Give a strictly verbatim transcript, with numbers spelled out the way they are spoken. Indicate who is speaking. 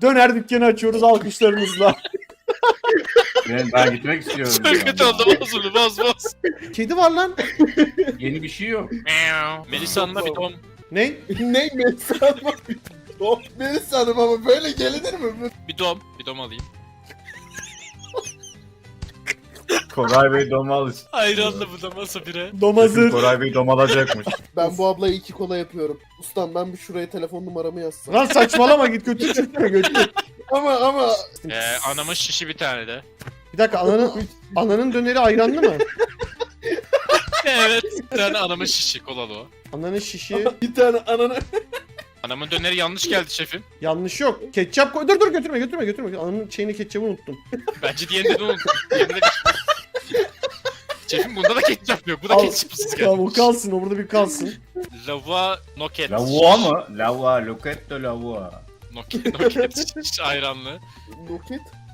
Speaker 1: Döner dükkanı açıyoruz alkışlarınızla.
Speaker 2: Ben, ben gitmek istiyorum.
Speaker 3: Çok kötü oldu, boz bunu, boz boz.
Speaker 1: Kedi var lan.
Speaker 2: Yeni bir şey yok.
Speaker 3: Melisa Hanım'a bir dom.
Speaker 1: Ne?
Speaker 4: Ne Melisa Hanım'a bir dom. Melisa Hanım ama böyle gelinir mi?
Speaker 3: Bir dom. Bir dom alayım.
Speaker 2: Koray Bey domal.
Speaker 3: Ayranlı bu da masa bire.
Speaker 1: Dom hazır.
Speaker 2: Koray Bey domalacakmış.
Speaker 4: Ben bu ablaya iki kola yapıyorum. Ustam ben bir şuraya telefon numaramı yazsam.
Speaker 1: Lan saçmalama git götür çıkma götür.
Speaker 4: Ama ama.
Speaker 3: Ee, anamın şişi bir tane de.
Speaker 1: Bir dakika ananın, ananın döneri ayranlı mı?
Speaker 3: Evet. Bir tane anamın şişi, kolalı o.
Speaker 1: Ananın şişi.
Speaker 4: Bir tane ananı.
Speaker 3: Anamın döneri yanlış geldi şefim.
Speaker 1: Yanlış yok. Ketçap koy. Dur dur götürme götürme götürme. Ananın şeyini ketçabı unuttum.
Speaker 3: Bence diğerini de unuttum. Diğerinde de... Şefim bunda da ketçap yok. Bu da
Speaker 1: Al,
Speaker 3: ketçapsız
Speaker 1: Tamam o
Speaker 3: gelmiş.
Speaker 1: kalsın o burada bir kalsın.
Speaker 3: Lava noket.
Speaker 2: Lavua mı? Lavua, loketto lavua.
Speaker 3: Noket, noket şiş ayranlı.
Speaker 4: Roket.